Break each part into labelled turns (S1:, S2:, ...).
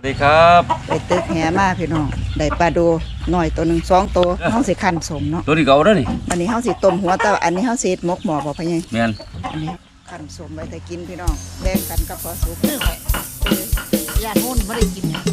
S1: สวัสดีครับ
S2: ไปตึกแหมาพี่น้องได้ปลาดูหน่อยตัวหนึ่ง2 ตัวเฮาสิคั่นสมเนาะ
S1: ตัวนี้เก่าแล้วนี่
S2: วันนี้เฮาสิต้มหัวแต่อันนี้เฮาสิหมกหม้อบ่พ่อใหญ่
S1: แม่น
S2: อันนี้คั่นสมไว้แต่กินพี่น้องแบ่งกันกับพอสุก
S3: ซื้อไว้ญาติโน่นไม่ได้กินไง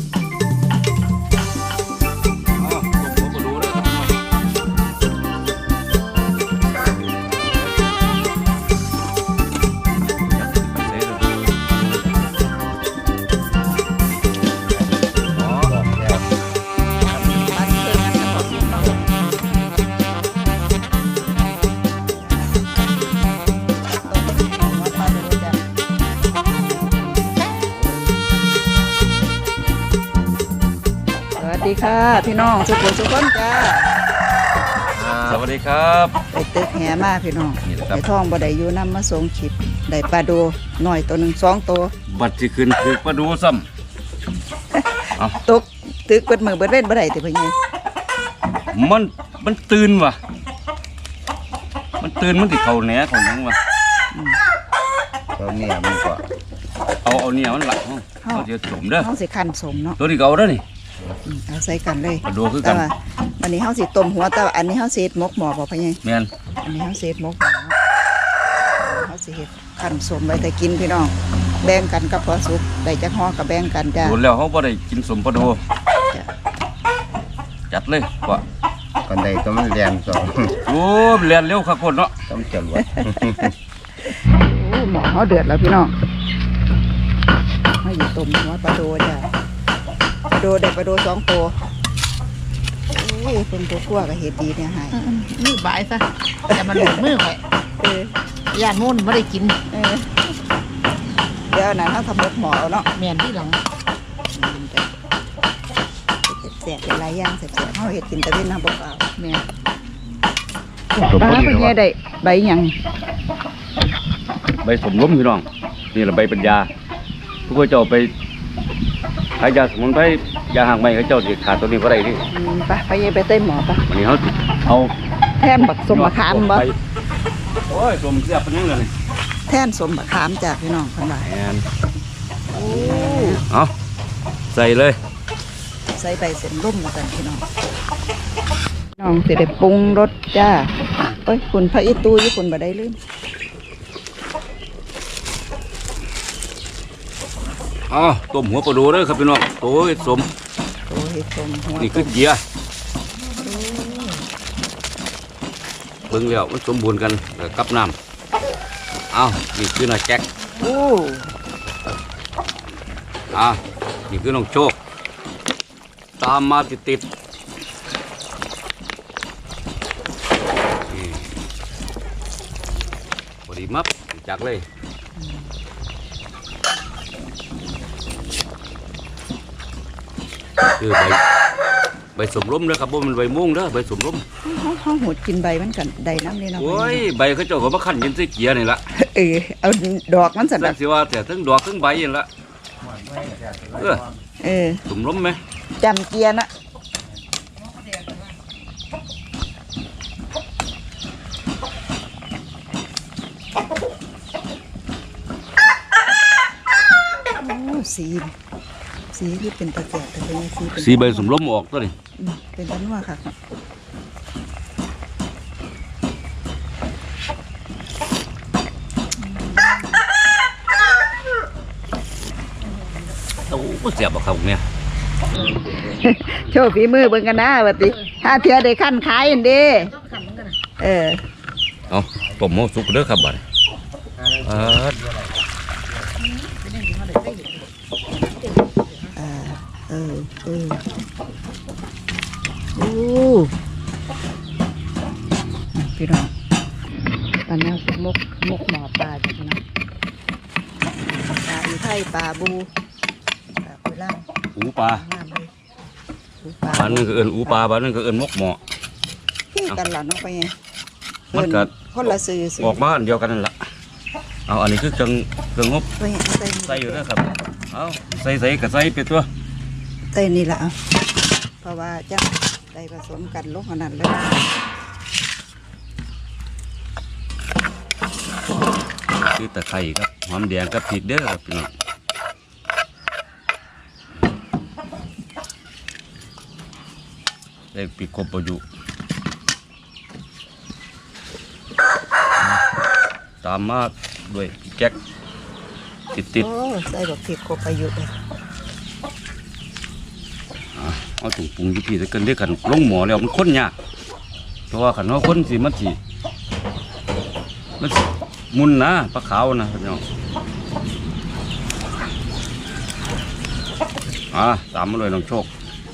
S2: สวัสดีค่ะพี่น้องทุกคนจ้า
S1: สวัสดีครับ
S2: ไปตึกแหมาพี่น้องไปท่องบ่ได้อยู่นำมาส่งคลิปได้ปลาดูหน่อยตัวหนึ่ง2 ตัว
S1: บัดที่ขึ้นคือปลาดูซ้ำ
S2: ตกตึกเปิดมือเปิดเว้นบ่ได้ติพ่อใหญ่
S1: มันตื่นว่ะมันตื่นมันติเข้าแหนของยังว่ะ
S4: ตัวเนี่ยมันก็
S1: เอาเนี่ยมันหลักเขาจะสมเด้อ
S2: เฮาสิคั่นสมเนาะ
S1: ตัวนี้เก่าแล้วนี่
S2: เอาใส่กันเลย
S1: ปลาดูคือกัน
S2: วันนี้เฮาสิต้มหัวแต่อันนี้เฮาสิหมกหม้อบ่พ่อใหญ่
S1: แม่น
S2: อันนี้เฮาสิหมกหม้อเฮาสิเฮ็ดคั่นสมไว้แต่กินพี่น้องแบ่งกันกับพอสุกได้จักห่อก็แบ่งกันจ้า
S1: โดนแล้วเขาบ่ได้กินสมปลาดูจัดเลยกว่า
S4: กันใดตัวมันแรงสอง
S1: โอ้เรียนเร็วครับคนเนาะ
S4: ต้องจรวด
S2: โอ้หม้อเฮาเดือดแล้วพี่น้องเฮาอยู่ต้มหัวปลาโดจ้ะปลาโดได้ปลาโด2 ตัวโอ้ยเพิ่นตัวคั่วก็เฮ็ดดีเนี่ยหาย
S3: มือบายซะแต่มันหลุดมือไว้ญาติโน่นไม่ได้กิน
S2: เดี๋ยวนั้นเฮาทำหมกหม้อเอาเนาะ
S3: แม่นที่หลัง
S2: แซ่บเป็นหลายอย่างแซ่บๆเฮาเฮ็ดกินแต่เว้นน้ำเปล่า
S3: แม่
S2: ปลาเพิ่นแย่ได้ใบหยัง
S1: ใบสมล้มพี่น้องนี่แหละใบปัญญาทุกคนเจ้าไปหายาสมุนไพรยาห่างไม้เขาเจ้าสิขาดตัวนี้บ่ได้นี่
S2: ไปแย่ไปเต้หม้อปะ
S1: วันนี้เขาเอา
S2: แทนบักสมบักขามบ่
S1: โอ้ยสมเสียบเป็นยังเลย
S2: แทนสมบักขามจากพี่น้องเพิ่นว่า
S1: แม่นเอาใส่เลย
S2: ใส่ใบเส้นร่มกันพี่น้องน้องสิได้ปรุงรสจ้าโอ้ยคุณพระอีตูอยู่คุณบ่ได้ลืม
S1: ต้มหัวปลาดูเลยครับพี่น้องโอ้ยสม
S2: หัว
S1: นี่คือเกียร์เบิ่งแล้วมันสมบูรณ์กันกับน้ำนี่คือน้าแจ็คนี่คือน้องโชคตามมาติดพอดีมับจักเลยคือใบสมร่มนะครับบ่มันใบม่วงเด้อใบสมร่ม
S2: เขาหดกินใบมันกันใดน้ำนี่เนาะ
S1: โอ้ยใบเขาเจ้าก็มาคั่นยินใส่เกียร์นี่ละ
S2: เอาดอกมันสั่น
S1: สิว่าแต่ทั้งดอกทั้งใบนี่ละสมร่มไหม
S2: จำเกียร์นะสีที่เป็นตะแกรงแต่เป็น
S1: สีใบสมร่มออกตัวนี้
S2: เป็นต้นว่าค่ะ
S1: โอ้เสียบครับเนี่ย
S2: โชว์ฝีมือเบิ่งกันนะบัดนี้ถ้าเทียได้ขั้นขายอันดี
S1: เอาต้มหม้อสุกเด้อครับบัด
S2: พี่น้องตอนนี้มกหมอปลาจ้ะพี่น้องปลาอีไทยปลาบูปลาคุยล่าง
S1: อูปลาบ้านนึงก็เอิ้นอูปลาบ้านนึงก็เอิ้นมกหมอ
S2: พี่กันหล่ะน้องไปไง
S1: มันก็
S2: คนละซื้อ
S1: ออกมาอันเดียวกันนั่นแหละอันนี้คือเครื่องงบใส่อยู่นะครับเอาใส่กับใส่ไปตัว
S2: ใส่นี่แหละเพราะว่าจะได้ผสมกันลงขนาดเลย
S1: คือตะไคร้ครับหอมแดงกับพริกเด้อครับพี่น้องได้ปีกกบประยุตามมาด้วยพี่แจ็คติด
S2: โอ้ใส่ดอกพริกกบอายุเลย
S1: เอาถุงปรุงที่พี่จะเกินได้กันลงหมอแล้วมันข้นยากเพราะว่าขันว่าข้นสิมันสิมุนนะปลาขาวนะพี่น้องตามมาเลยน้องโชค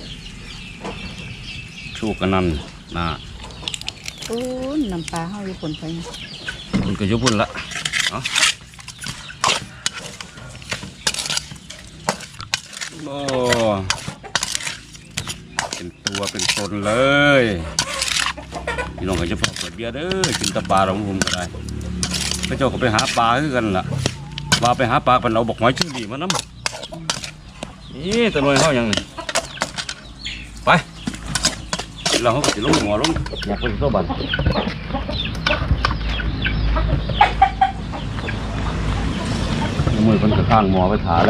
S1: กันนั่นนะ
S2: โอ้น้ำปลาเฮาอยู่คนไป
S1: มันก็อยุบพุ่นละเอาโอ้เป็นตัวเป็นตนเลยพี่น้องก็จะพอเปิดเบียร์เด้อกินแตะปลาเราผมก็ได้พระเจ้าก็ไปหาปลาคือกันล่ะปลาไปหาปลาเป็นเอาบอกหอยชื่อดีมาน้ำนี่ตะนวยเขาอย่างนี้ไปเราเขาก็จะลงหัวลงอยากไปโซ่บันมือมันก็ข้างหมอไปถาแล้ว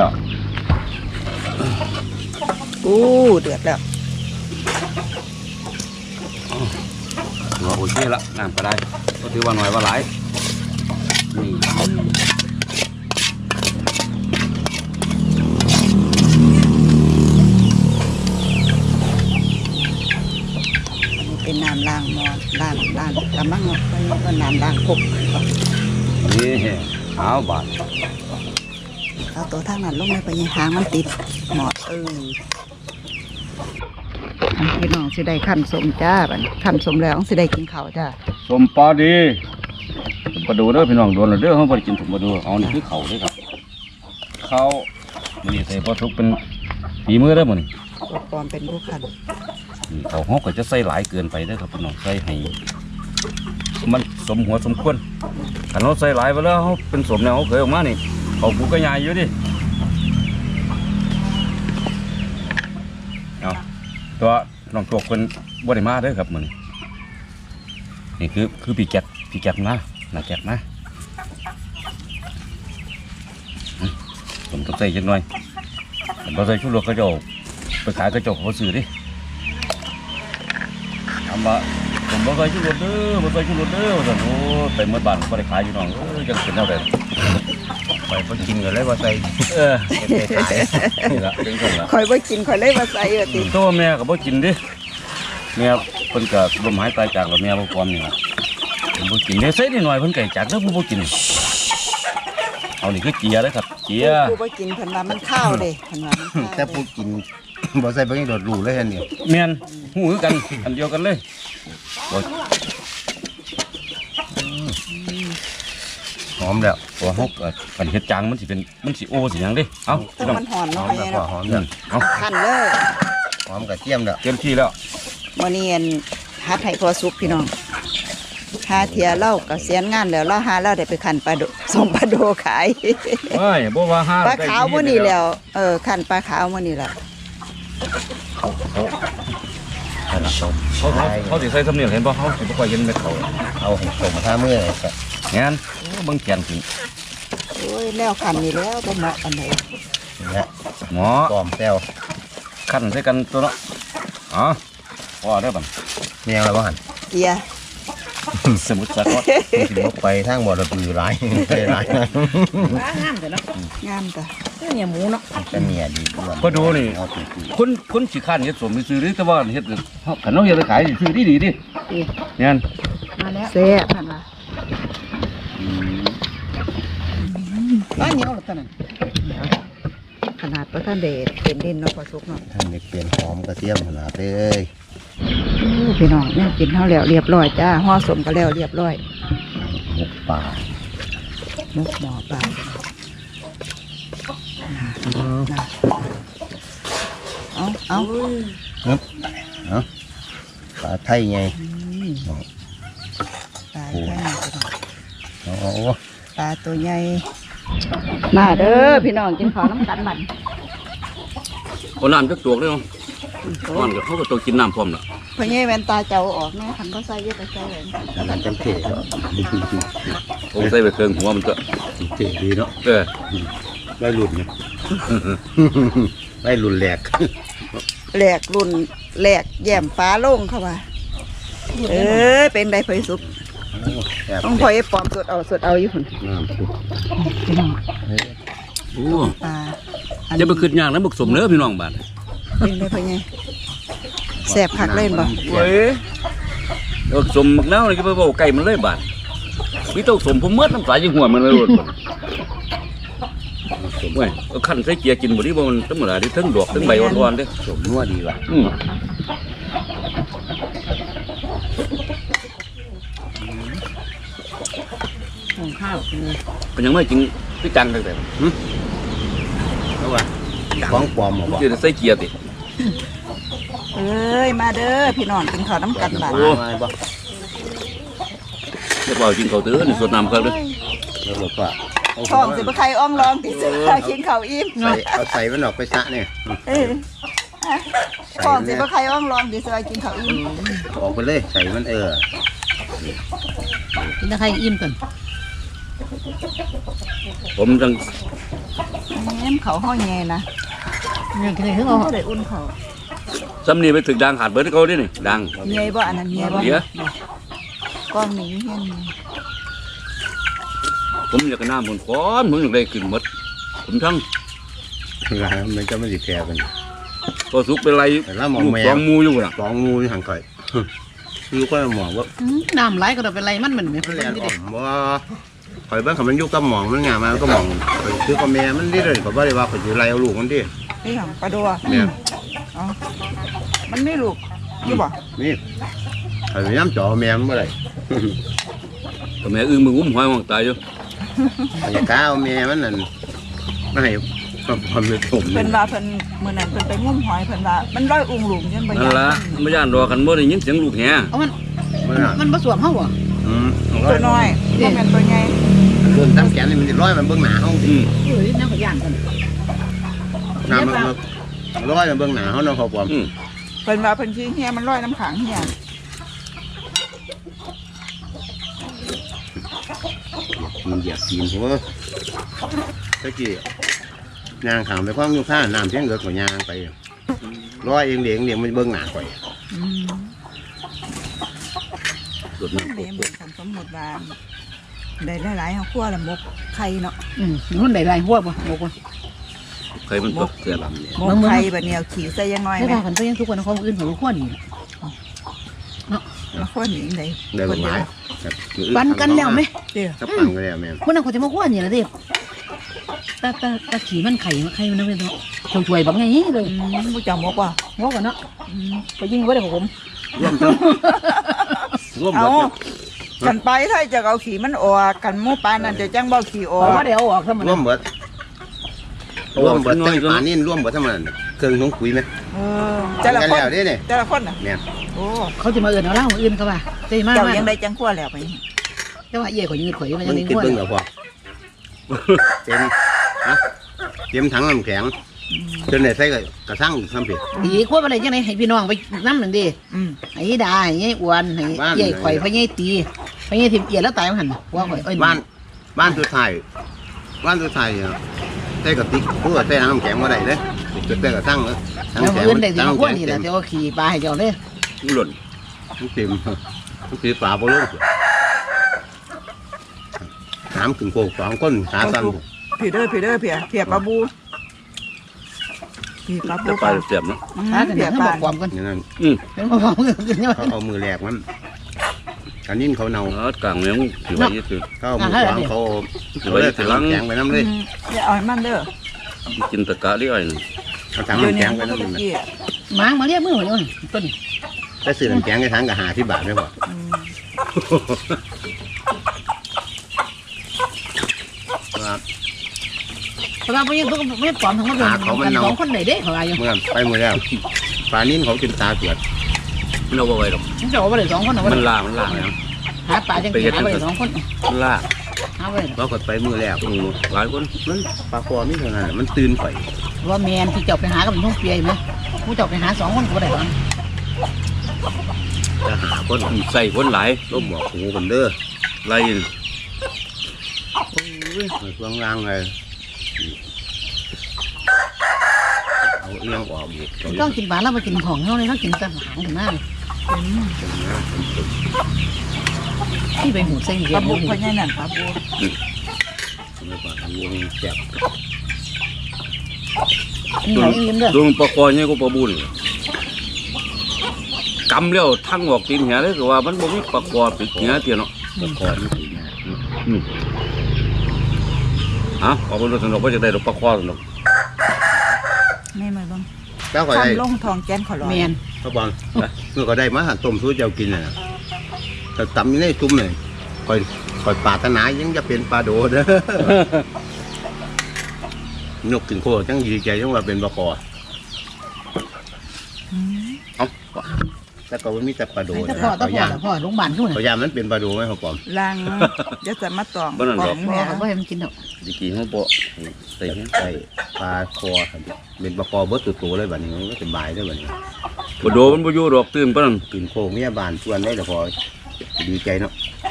S2: อู้เดือดแล้ว
S1: หัวโอเคละน้ำก็ได้ก็ถือว่าหน่อยว่าหลายนี่
S2: เป็นน้ำล้างหม้อล้างกำลังไปก็น้ำล้างพก
S1: นี่เอาบาท
S2: เอาตัวทางนั้นลงไปไปยังหางมันติดหมอดพี่น้องสิได้ขั้นสมจ้าบัดนี้ขั้นสมแล้วสิได้กินข้าวจ้า
S1: สมปลาดีสมปลาดูเด้อพี่น้องโดนแล้วเด้อเขาไปกินสมปลาดูเอานี่คือเขาเด้อครับเขามันนี่ใส่ปลาทุกเป็นฝีมือเด้อมันนี่
S2: ตัวปลอมเป็นผู้ขัน
S1: เขาเขาก็จะใส่หลายเกินไปเด้อครับพี่น้องใส่ให้มันสมหัวสมควรถ้าเราใส่หลายไปแล้วเขาเป็นสมแล้วเขาเคยออกมานี่เขาปูก็ใหญ่อยู่ดิเอาตัวน้องโชคเป็นบ่ได้มาเด้อครับมันนี่คือพี่แก๊กนะน่าแก๊กนะผมต้องใส่จังหน่อยผมต้องใส่ชุดรถกระจกไปขายกระจกเขาซื้อดิทำมาผมบ่ใส่ชุดรถเด้อบ่ใส่ชุดรถเด้อโอ้ไปเมื่อบ้านบ่ได้ขายอยู่น้องจังเป็นเท่าไหร่
S4: ไปเพิ่นกินกันเลยว่าใส่
S1: เก็บไปขายนี่ละเป็นคนละ
S2: คอยบ่กินคอยเลยมาใส่ติ
S1: ตัวแม่ก็บ่กินดิแม่เพิ่นก็ลมหายตายจากแล้วแม่บ่ความนี่ล่ะเพิ่นบ่กินเด้ใส่นิดหน่อยเพิ่นก็จากแล้วบ่กินเอานี่คือเจียเด้อครับเจีย
S2: ผู้บ่กินเพิ่นว่ามันข้าวเด้เพิ่นว่ามันข้าว
S4: แต่ผู้กินบ่ใส่เบิ่งโดดรูเลยอันนี้
S1: แม่นหูคือกันอันเดียวกันเลยบ่
S4: หอมแล้ว
S1: ตัวเฮาก็กันเฮ็ดจังมันสิโอสิหยังเด้เอ้า
S2: แต่มันหอน
S4: หอ
S2: เนาะ
S4: ม
S2: ไป
S4: แล้ว
S2: เนาะ
S4: หอมแล้ว
S1: เอ้า
S2: คั่นเลย
S4: หอมกระเทียมแล้ว
S1: เต็มที่แล้ว
S2: มื้อนี้หัดให้พอสุกพี่น้องหาเทียเล่าก็เสียนงานแล้วเราหาเราได้ไปคั่นปลาโดส่งปลาโดขาย
S1: เอ้ยบ่ว่าห้า
S2: ปลาขาวมื้อนี้แล้วคั่นปลาขาวมื้อนี้ล่ะ
S1: เขาสิใส่สำเนียงเห็นบ่เขาสิบ่ค่อยเห็นเม็ดเขา
S4: เอาให้สมท่ามือเลยครับ
S1: งั้นเบิ่งแขนขึ้น
S2: โอ้ยแล้วคั่นนี่แล้วบ่เหมาะอันใด
S4: นี่แหละ
S1: หมอ
S4: ปอมแซว
S1: ขั้นใส่กันตัวเนาะอ๋อว่าได้อบัด
S4: เมียงแล้วบ่หั่น
S2: เกียร์
S1: สมุทรสาคร
S4: สิบ่ไปทางบ่ระบือหลายไปหลายนะ
S3: งามแต่เนาะ
S2: งามจ้ะ
S3: คือเนี่ยหมูเนาะ
S4: แต่เมียดีกว่า
S1: พอดูนี่
S4: เอาปีก
S1: คนสิคันเฮ็ดสมซื้อๆแต่ว่าเฮ็ดขันเฮาเฮ็ดไปขายซื้อดีดิเนี่ย
S3: มาแล้ว
S2: แซ่บหั่นว่าบ้านเหนียวหรือเปล่านั่นขนาดบ่ทันได้เป็นดินเนาะพอสุกเนาะ
S4: ท่านนี่เปลี่ยนหอมกระเทียมขนาดเลย
S2: พี่น้องเนี่ยกินเท่าแล้วเรียบร้อยจ้าห่อสมก็แล้วเรียบร้อย
S4: หมกป่า
S2: มุกหมอปลาเอา
S4: ครับเอาปลาไทยไง
S2: ปลาใหญ่
S4: เอา
S2: ปลาตัวใหญ่มาเด้อพี่น้องกินข้าวน้ำกันบัน
S1: คนน้ำจักตวกเด้อเนาะก่อนก็เขาก็ต้องกินน้ำพร้อมล่ะ
S2: พ่อใหญ่แว่นตาเจ้าออกแน่คันก็ใส่เยอะแต่ใส่เลย
S4: อันนั้นจังเท่เนาะ
S1: ผมใส่ไปเครื่องหัวมันก็
S4: เท่ดีเนาะ
S1: เออ
S4: ได้หลุดเนี่ยไม่รุนแรง
S2: แหลกรุ่นแหลกแย่มฟ้าโล่งเข้ามาเป็นไดเผยสุกต้องพอยปลอมสดเอาอยู่พุ่น พี่น้อง
S1: โอ้
S2: ปลา
S1: จะไปขึ้นยากนะบักสมเนื้อพี่น้องบ้าน
S2: เป็นไดเผยไงแสบผักเล่นบ่
S1: เว้ยบักสมแล้วนี่ก็ไปบอกไก่มันเลยบ้านพี่ต้องสมผมเมื่อน้ำตาจิงหัวมันเลยหมดเว้ยเอาขั้นใส่เกียร์กินหมดที่บ่มันตั้งเมื่อไหร่ที่ทั้งดอกทั้งใบอ่อนๆเด้อ
S4: สมนัวดีว่ะ
S3: หุงข้าว
S1: มันยังไม่จริงพี่จังเลยแต่
S4: เอาว่ะของปลอมบ่
S1: จะใส่เกียร์ติ
S2: เอ้ยมาเด้อพี่น้องกินข้าวน้ำกันบ้าน
S4: มาบ่
S1: เรียกว่ากินข้าวเตื้อนี่สดน้ำครับเด้อ
S4: แล้วบอกว่า
S2: ท้องสิบ่ใครอ้องร้องติเสือกินข้าวอิ่ม
S4: เอาใส่มันออกไปซะเนี่ย
S2: ท้องสิบ่ใครอ้องร้องติเสือกินข้าวอิ่ม
S4: ออกไปเลยใส่มัน
S3: กินตะไคร้อิ่มก่อน
S1: ผมจัง
S2: แม่มเขาห้อยแง่นะ
S3: เนี่ยกินอะไรถึงเอา
S2: เขาได้อุ่นเขา
S1: ซ้ำนี่ไปถึงดังขาดเบิดเขาดินี่ดัง
S2: เงยบ่อันนั้นเงยบ่
S1: เดี๋ยว
S2: กล้องนี้เฮียน
S1: ผมอยากน้ำผมก้อนผมอยากได้กินหมดผมทั้ง
S4: มันจะไม่ติดแก่กัน
S1: พอสุกเป็นไร
S4: แล้วหมอง
S1: ลูก
S4: แม
S1: สอ
S4: ว
S1: งหมูอยู่น่ะ
S4: สองงูอยู่ห่างไกลอยู่ก็หมองว่า
S3: น้ำไหลก็ต้องเป็นไรมันเหมือนไม่
S4: มัน
S3: เป็
S4: แล
S3: น
S4: น
S3: ที่
S4: อ่
S3: เด็
S4: อก มว่าข่อยบ้านเขามันอยู่กับหมองมันงามมันก็หมองข่อยซื้อกับแม่มันได้เลยข่อยบ่ได้ว่าข่อยสิไล่เอาลูกมันดิ
S2: นี่ของปลาดัว
S4: แม่
S2: อ๋อมันไม่ลูกอยู่บ่
S4: นี่ข่อยพยายามจ่อแม่มันบ่ได้
S1: แต่แม่อึ้งมึงอุ้มหอยมองตายอยู่
S4: ข่อยจะกล้าเอาแม่มันนั่นมาให้ความเป็นผม
S2: เพิ่นว่าเพิ่นมื้อนั้นเพิ่นไปงุ่มหอยเพิ่นว่ามันร้อยอุ้งหลุมจนบ่
S1: นั่นละไม่ย่านรอกันบ่ได้ยินเสียงลูกแห่
S3: เอามัน
S4: มันน่ะ
S3: มันผสวมเข้าบ่
S2: ตัวน้อยบ่แม่นตัวใหญ่
S4: เดินตามแขนนี่มันสิร้อยมันเบื้องหน้าเฮา
S1: อืม
S3: เฮ้ยน้ำขยันก่อน
S4: น้ำมันร้อยมันเบื้องหน้าเฮาเนาะเขาปลอม
S1: อืม
S2: เพิ่นว่าเพิ่นขี้เฮียมันร้อยน้ำขังเฮีย
S4: มันเหยียบตีนผมว่าตะกี้ยางขามไปคว้างอยู่ข้างน้ำเพียงเกิดกว่ายางไปร้อยเองเหลียงมันเบื้องหน้าข่อย
S1: สดน้
S2: แม่บอกสมมุติว่าได้หลายๆเฮาคั่วละมกไข่เนาะ
S3: มันได้ไรหัวบ่บอกว่า
S1: ำใครมันตกเสียลำเนี่ย
S2: มกไข่บัดเนียวขี้ใส่ยังน้อย
S3: ไม่
S2: แม่
S3: พอกันก็ยังทุกคนของอื่นของขั้วนี่
S2: มาคั่วนี่ได้
S4: ได้
S2: ค
S4: ก
S2: น
S4: ฎห
S2: เดีย
S4: มายว
S3: ปันกันแล้วไหม
S2: เด้อ
S4: ถ้าปันก็แล้วแม่
S3: คนนั้นเขาจะมาขั้วนี่ละเด็กตาขี่มันไข่มันนะเว้ยเนาะช่วยแบบไงเลย
S2: ผู้เจ้ามกว่า
S3: งอกันเนาะไปยิงไว้เลยผม
S4: ร่วมเถอะร่วมหม
S2: เอา
S4: ด
S2: กันไปถ้าจะเอาขี้มันออกกันหมู่ปานนั่นจะจังบ่ขี้ออ
S3: เพราะ
S2: ก
S3: ว่าเดี๋ยวออกซะมัน
S4: ร่วมหมดร่วมหมดแต่ป่านนี้ร่วมหมดทั้งมันเครื่องถุงปุ๋ยไหม
S2: แต่ละ
S4: กัน
S2: คน
S4: แล้วนี่นี่
S2: แต่ละคนน่ะ
S4: แม่
S2: โอ้
S3: เขาจะมาเอื่นเอาเล่าอื่นเขาว่าเต้มาก
S2: เจ้า
S3: มา
S2: ยัง
S3: ก
S2: ได้จังคั่วแล้วไป
S3: แต่ว่าเย่ข่อยยืดข่อยมัน
S4: มั
S3: ยัง
S4: น
S3: ได้
S4: คิด
S3: ขั้ว
S4: เบิ่งแล้วพอเต็มฮะเต็มถังน้ำแข็งจนได้ใส่กระทั่งซ้ำผิด
S3: อีขั้วอะไรจังไหนให้พี่น้องไปน้ำหนึ่งดิ
S2: อืม
S3: ไอ้ดาไอ้อ้วนไอ้เย่ข่อยพะเย่ตีพะเย่ถิ่มเอียแล้วตายมันหันว่าข่อยเอ้ย
S4: บ้านตัวไทยใส่กระติกผู้ใส่น้ำแข็งมาได้เลยจะใส่กระทั่งเลยถัง
S3: แล้ว
S4: แข็ง
S3: อื่นได้สิมาขั้ว
S4: ถัง
S3: นี่
S4: แข็
S3: แหละ
S4: ง
S3: แต่ว่าขี่ปลาให้เจ้าเลย
S1: หล่น
S4: เต็มคือป่าโปโลน้ำถึงโคก2คนขาสั้น
S2: ผีเด้อผีปลาบูผีปลาบู
S1: จะไปเสียบเนาะ
S3: ถ้าแต่
S2: ผี
S3: เนี่ย
S2: ป
S3: เขา
S2: ลา
S3: บอกความกัน
S4: นี่นั่น
S1: อืม
S3: เป็นบอกความกันเนี่ย
S4: เขาเอามือแหลกมันอันนี้เขาเนา
S1: กลางเลี้ยงถือไว้ยึดถือ
S4: เขาเอามือวางเขาเลยถังน้ำแข็งไปน้ำเลย
S2: อย่าเอาให้มันเด้อ
S1: กินตะกะเรื่อยนี่
S4: เอาถัง
S2: เดี๋ยว
S4: น้ำ
S2: นี้
S4: แข็งไป
S2: มัน
S4: น้ำ
S2: ก็
S4: เลย
S2: กี้
S3: หมามาเรียกมือหัวโยนต้น
S4: ไปซื้อน้ำแข็งในถังกับ50 บาทไม่พอ ครับ
S3: เพราะว่าไม่ไม่ปลอมทั้งหมดเลยกันสองคนไหนเด้เขาอะไรอยู่
S4: เมื่อไปหมดแล้วปลานิ่นเขากินตาเกลือด
S1: มันเอาไว้หรอก
S3: ฉันจะเอาไปเลย2คนเอาไป
S1: มันล่าแล้ว
S3: หาปลาจังหาไปเลย2คน
S1: มันล่า
S3: หาไปเลย
S4: เราก็ไปมือแล้ว
S1: หลายคน
S4: มันปลาคอนี่เท่านั้นมันตื่นไป
S3: ว่าแมนที่เจ้าไปหากับมันทุ่งเปียไหมผู้เจ้าไปหา2คนก็ได้หรอ
S4: จะหาคน
S1: ใส่คนหลาย
S4: ล้มบอกหูกันเด้อ
S1: ไล่
S4: ช่วงล่างเลยเอาเรื่องออกอีก
S3: ต้องกินหวานแล้วมากินของเขาเลยเขากินแต่หางถึงหน้าเลยที่ไปหูเส้นเดี
S2: ป
S3: ย
S2: ลาว บุกพญานั่นปลาบุก
S4: ไม่ว่าอันนี้แซ่บ
S3: นี่ไหนยิ้มเด้อ
S1: ดูปลาคอเนี่ยก็ปลาบุญกำแล้วทั้งออกตีนเหี้ยเลยก็ว่ามันบ่มีปลาคอปิดเหี้ยเตี้ยเนาะ
S4: ก่อนนี่สินะ
S1: ออกไปดูสนุกว่าจะได้ดอกปลาคอสนุก
S2: ไม่มาบ้าง
S4: เจ้าก็ได้
S2: ทำลงทองแกนขอร้อย
S3: แมน
S4: เขาบอกเมื่อก็ได้มาหั่นต้มสู้เจ้ากินน่ะแต่ตำอยู่ในตุ้มเลยคอยปรารถนายังจะเป็นปลาโดเด้อนกถึงโคจังดีใจจังว่าเป็นปลาคอเอ้าแต่ก็ว่ามีแต่ปลาโด
S3: แต่
S4: นะ
S3: พ่อ
S4: เขาย่าง
S3: โรงพยาบาลทุก
S4: เขาย่างมันเป็นปลาโดไหมเขาปอม
S2: ลังเดี๋ยวจะมาตองกล่อง
S3: พ่อ
S2: แม่
S3: เขาไม่ให้มันกินหรอก
S1: ดีกี่ห้องโปะใส่เนี้ย
S4: ใส่ปลาคอครับเป็นปลาคอเบิดตัวๆเลยแบบนี้มันก็สบายได้แบบนี้
S1: ปลาโดมันบ่อยู่ดอกตื่นปะนั่น
S4: กินโคเมียบานชวนได้แต่พอดีใจเนาะ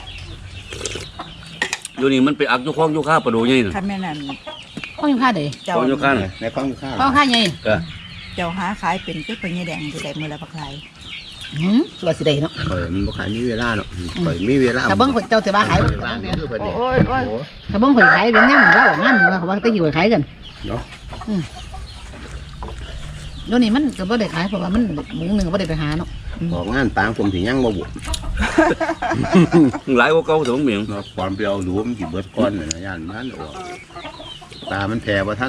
S1: อยู่นี่มันไปอักอยู่คลองอยู่ข้าปลาโดใหญ่น่ะ
S2: คันแม่นั่น
S3: พ่อยังฆ่าเด้
S2: เจ้า
S1: คลองอยู่ข้าน่ะ
S4: ในข้องข้าว
S3: พ่อฆ่าไง
S2: เจ้าหาขายเป็นก็เป็นยายแดงจะได้มือละปักไหล
S3: ตัวสิได้เนาะ
S4: มันบ่ขายมีเวลาเนาะข่อยมีเวลา
S3: ถ้าเบิ้งเจ้าจะว่าขาย
S4: เวลาเนี่ยคือเพิ่นนี่
S2: โอ้ยโอ้ย
S3: ถ้าเบิ้งข่อยขายเป็นงั้นเราออกงานเขาว่าไปอยู่ขายกัน
S4: เนาะ
S3: เดี๋ยวนี้มันก็บ่ได้ขายเพราะว่ามันหมูหนึ่งก็บ่ได้ไปหาเนาะ
S4: ออกงานปางผมสิยังบ่บุ
S1: หลายกว่าเก่าสมเหมียง
S4: เนาะความเปรี้ยวหลวมสิเบิดก้อนน่ะนะย่านมันออกตามันแผ่บ่ทัน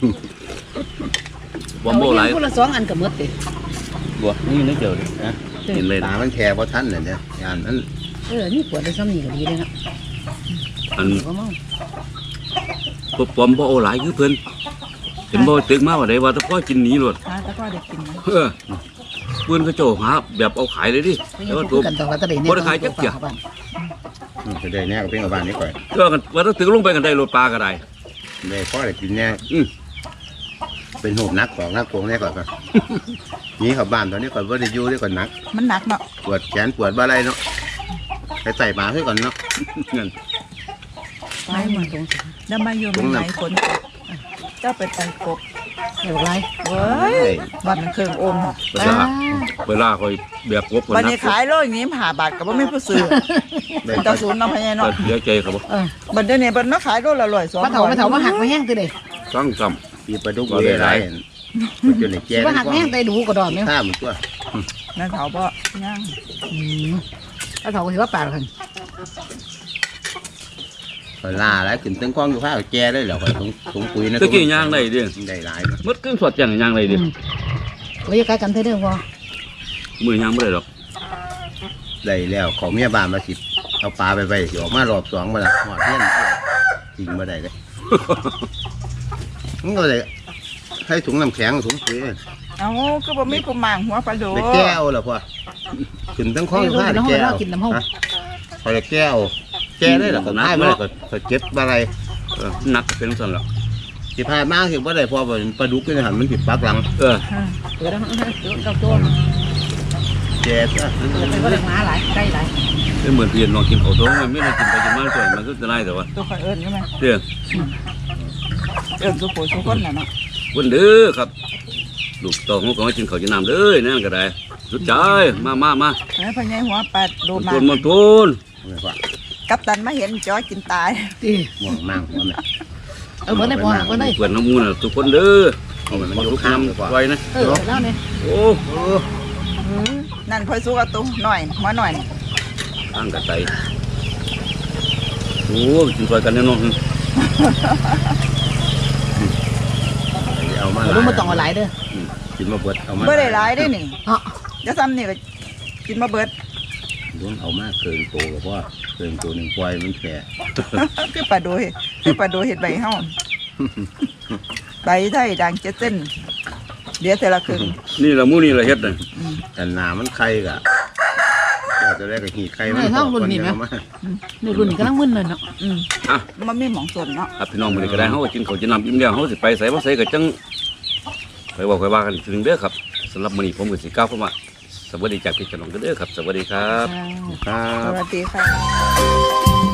S1: บ่โม่หลาย
S3: คนละ2อันก็หมดติ
S1: บ่นี่นึกเดียวเลยนะกินเลย
S4: ตามันแผ่บ่ทันน่ะเนี่ยย่านมัน
S3: นี่ปวดได้ซ้ำนี่ก็ดีเลยเนาะ
S1: อัน
S3: บ่เมา
S1: ปปอมบ่เอาหลายคือเพิ่นเห็นบ่ตึกมาว่าได้ว่าแต่พ่อกินหนีโลด
S2: หาแต่ก็ได้กินนะ
S1: เพิ่นก็เจ้าหาแบบเอาขายเลยดิ
S3: ไป
S1: แต่
S3: อยู่
S1: ว่า
S3: คู่
S1: ตัว
S3: กันต่อกันตะได้
S1: บ่ได้ขายจักเที่ย
S4: จะได้แน่ก็เป็นกับบ้านนี้ก่อน
S1: ก็กันว่าถ้าตึกลงไปกันได้โลดปลาก็ได้
S4: ได้พอได้กินแน่
S1: อือ
S4: เป็นหูบนักของนักโกงแน่ก่อนครับนี่ขับบ้านตอนนี้ก่อนว่าได้อยู่ได้ก่อนนัก
S2: มันหนักเนาะ
S4: ปวดแขนปวดบ่อะไรเนาะไปใส่หมาให้ก่อนเนาะ
S1: นั่น
S3: ไม่มาตรง
S2: แล้วมาอยู่มันไหนคนเจ้าไปไต่กบ
S3: เดี๋ยวไร
S2: เว้ยบ้านมันเครื่องโอม
S1: เวลาคอยแบบกบคน
S2: วัน
S1: นั
S2: นี้
S1: ก
S2: ขายโลอย่างนี้หาบาทก็บ่มีผู้ซื้อ
S4: ได้
S2: เจ้าศูนย์เนาะพญา
S1: ก็
S2: เนาะ
S1: เสียใจครับบ่
S2: บัดเดี๋ยวนี้บัดเนาะขายโลละ100 200
S3: มาเถามาหักมาแห้งตัวเด้
S1: ซ้ำซ้
S4: ปีปลาดุกเวไรมันจะได้แก่
S3: มาหักมาแห้งตัวดูกระดอนเนี่ย
S4: ข้ามตัว
S2: นั่นเถาบ่ย่าง
S3: แล้วเขาก็ถือว่าปลากัน
S4: คอยล่าแล้วขึ้นตั้งกล้องอยู่ข้าวแก่ได้เหรอคอยถุงปุ๋ยนะ
S1: ำตะกี้ย่างได้ดิ
S4: ได้หลาย
S1: มดขึ้นสดจังย่างได้ดิ
S3: ไว้ใกล้กันเท่าเดิมพอ
S1: มือย่างไม่ได้หรอก
S4: ได้แล้วของเมียบ้านมาสิเอาปลาไปสิออกมารอบสองมาละหอดเงี้ยจริงมาได้เลยมันก็เลยให้ถุงน้ำแข็งถุงปุ๋ย
S2: เอาก็บ่มีกุมารหัวปลาโด
S4: ไปแก้วเหรอพ่อขึ้นตั้งข้องอยู่ข้าวได้แก้ว
S3: กินน้ำห้อง
S4: คอยแก้วแก้ได้หรอก็ได้ไม่ได้ก็เก็บอะไร
S1: นักเป็นสันหรอก
S4: สิพามากเห็นว่าได้พอเป็นปลาดุกนี่หันมันติดปากหลัง
S1: เออ
S3: เปิดแล้วเจ้าตัว
S4: แก่ซะ
S3: เปิดไปก็เลยมาหลายใกล้หลาย
S1: เป็นเหมือนเพียนลองกินข้าวต้มมันไม่ได้กินไปกินมาส่วนมันก็จะได้แต่ว่า
S2: ตัวคอยเอิ้นใช่ไหม
S1: เด้อ
S2: เอิ้นสุโขสุคนน่ะเนาะ
S1: วันเด้อครับลูกตองของกินข้าวกินน้ำเด้อนั่นก็ได้สุดใจมา
S2: แล้วพญาหัวปลาโดมา
S1: ต้นมันต้น
S4: ไม่ว่า
S2: กัปตันมาเห็นจ้อยกินตาย
S3: ตี
S4: ม่วงมั่งหัวแม่
S3: เหมือนได้พอเหมือนได้
S1: เปิดน้ำมูน่ะทุกคนเด้อเอามันมาทุกน้ำไว้นะ
S3: แล้วเนี่ย
S1: โอ้
S2: นั่นพอยสู้กับตุ้หน่อยหัวหน่อย
S1: ตั้งกระไตโอ้กินซอยกันแน่นอน
S4: เอามา
S3: รู้มาต้องเอาหลายเด้อ
S4: กินมาเบิดเอามา
S2: บ่ได้หลายได้นี่
S3: เนาะ
S2: จะซ้ำนี่ก็กินมาเบิด
S4: ล้วงเอามาเกินโตกับว่าเกินตัวหนึ่งปล่อยมันแก่
S2: คือปลาโดเห็ดใบเฮาใบไทยดังเจ็ดเส้นเดี๋ยวแต่ละครึ่ง
S1: นี่ละมูนี่ละเฮ็ดน่ะ
S4: แต่หนามันไข่กะจะได้กับหีไข่มันนี่
S3: นี่รุ่นนี้กำลังมึนเลยเนาะ
S1: อ่ะ
S2: มันมีหมองส่วนเนาะ
S1: พี่น้องมื้อนี้ก็ได้เฮากินข้าวกินน้ำอิ่มแล้วเฮาสิไปไสบ่ไสก็จังไปบอกไปว่ากันอีกทีนึงเด้อครับสำหรับมื้อนี้ผมก็สิกล่าวคำว่าสวัสดีจากพี่น้องเด้อครับสวัสดีครับ
S4: ครั
S2: ส
S4: บ
S2: วัสดีค่ะ